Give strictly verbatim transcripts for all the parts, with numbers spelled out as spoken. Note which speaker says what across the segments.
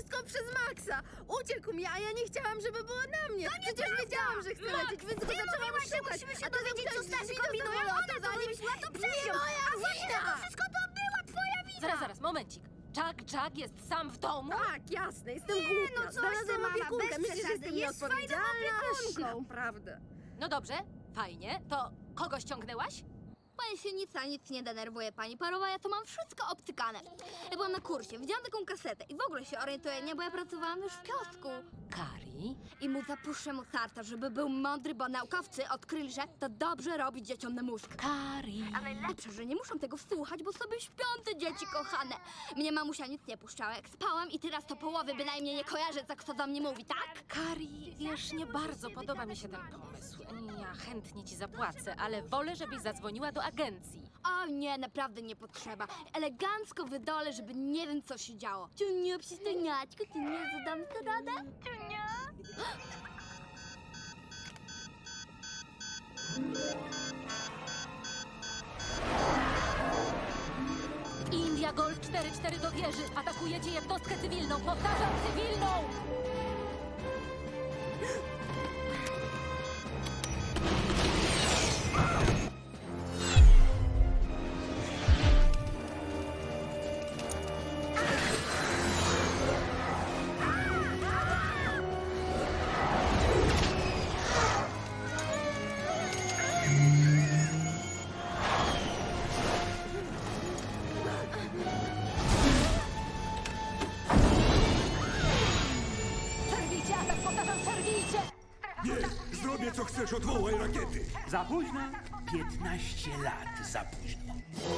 Speaker 1: wszystko przez Maxa. Uciekł mi, a ja nie chciałam, żeby było na mnie. Przecież wiedziałam, że chcę lecieć, więc go zaczęłam
Speaker 2: mówiłaś, że
Speaker 1: szukać.
Speaker 2: musimy się
Speaker 1: A to
Speaker 2: dowiedzieć, co
Speaker 1: zamknęliśmy
Speaker 2: Stasi
Speaker 1: drzwi do
Speaker 2: kombinują.
Speaker 1: samolotu,
Speaker 2: Ona to
Speaker 1: zanim-
Speaker 2: wymyśliła, to przez
Speaker 1: Nie
Speaker 2: nią.
Speaker 1: moja
Speaker 2: A właśnie
Speaker 1: wina!
Speaker 2: to wszystko to była twoja wina!
Speaker 3: Zaraz, zaraz, momencik. Jack, Jack jest sam w domu?
Speaker 1: Tak, jasne, jestem
Speaker 2: Nie,
Speaker 1: głupia.
Speaker 2: no coś ty,
Speaker 1: Znalazłam
Speaker 2: mama,
Speaker 1: opiekunkę.
Speaker 2: bez
Speaker 1: Myślisz, że
Speaker 2: przesady.
Speaker 1: jestem
Speaker 2: Jest fajną
Speaker 1: nieodpowiedzialna?
Speaker 2: opiekunką.
Speaker 1: Naprawdę.
Speaker 3: No dobrze, fajnie. To kogo ściągnęłaś?
Speaker 2: Pani się nic a nic nie denerwuje, pani Parowa, ja to mam wszystko obcykane. Ja byłam na kursie, widziałam taką kasetę i w ogóle się orientuję, nie, bo ja pracowałam już w kiosku.
Speaker 3: Kari?
Speaker 2: I mu zapuszczę mu sarta, żeby był mądry, bo naukowcy odkryli, że to dobrze robi dzieciom na mózg.
Speaker 3: Kari.
Speaker 2: A najlepsze, że nie muszą tego słuchać, bo sobie śpią te dzieci kochane. Mnie mamusia nic nie puszczała, jak spałam i teraz to połowy bynajmniej nie kojarzę, co kto do mnie mówi, tak?
Speaker 3: Kari, wiesz, nie bardzo podoba mi się ten pomysł. Ja chętnie ci zapłacę, ale wolę, żebyś zadzwoniła do agencji.
Speaker 2: O nie, naprawdę nie potrzeba. Elegancko wydolę, żeby nie wiem, co się działo. Ciunia, przystojniaczku, ty nie zadam sobie radę? Ciunia?
Speaker 3: India Gold cztery cztery do wieży. Atakujecie jednostkę cywilną. Powtarzam, cywilną! Przerwijcie atak, powtarzam, przerwijcie!
Speaker 4: Nie, zrobię co chcesz, odwołaj rakiety.
Speaker 5: Za późno? piętnaście lat za późno.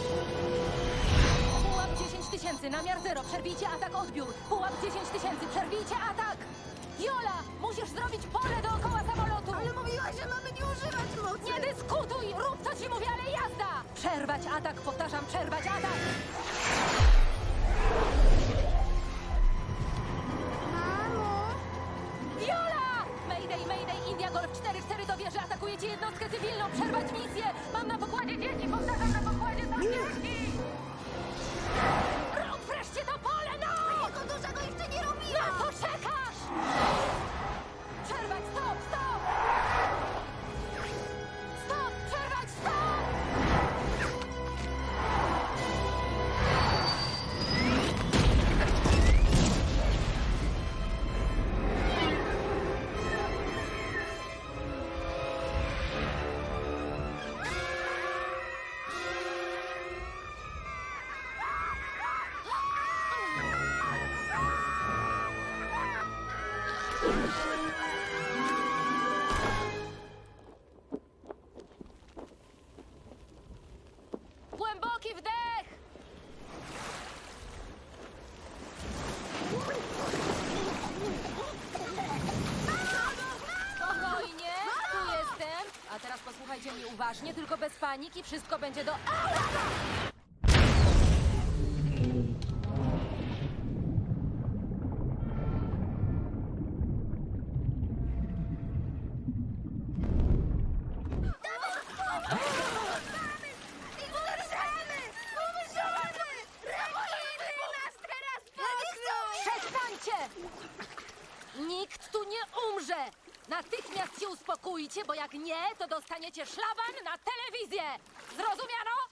Speaker 3: Pułap dziesięć tysięcy, namiar zero, przerwijcie atak, odbiór. Pułap dziesięć tysięcy, przerwijcie atak! Jola, musisz zrobić pole dookoła samolotu!
Speaker 1: Ale mówiłaś, że mamy nie używać mocy.
Speaker 3: Nie dyskutuj! Rób co ci mówię, ale jazda! Przerwać atak, powtarzam, przerwać atak!
Speaker 1: Mamo!
Speaker 3: Jola! Mayday, Mayday, India Golf cztery cztery do wieży, atakujecie jednostkę cywilną, przerwać misję! Mam na pokładzie dzieci, powtarzam, na pokładzie są dzieci! Rób wreszcie to pole, no!
Speaker 2: Jego dużego jeszcze nie robiła!
Speaker 3: Na co czekasz? Przerwać, stop, stop! Stop, przerwać, stop! Głęboki wdech! Spokojnie, tu jestem. A teraz posłuchajcie mnie uważnie, tylko bez paniki, wszystko będzie do... Przestańcie! Nikt tu nie umrze! Natychmiast się uspokójcie, bo jak nie, to dostaniecie szlaban na telewizję! Zrozumiano?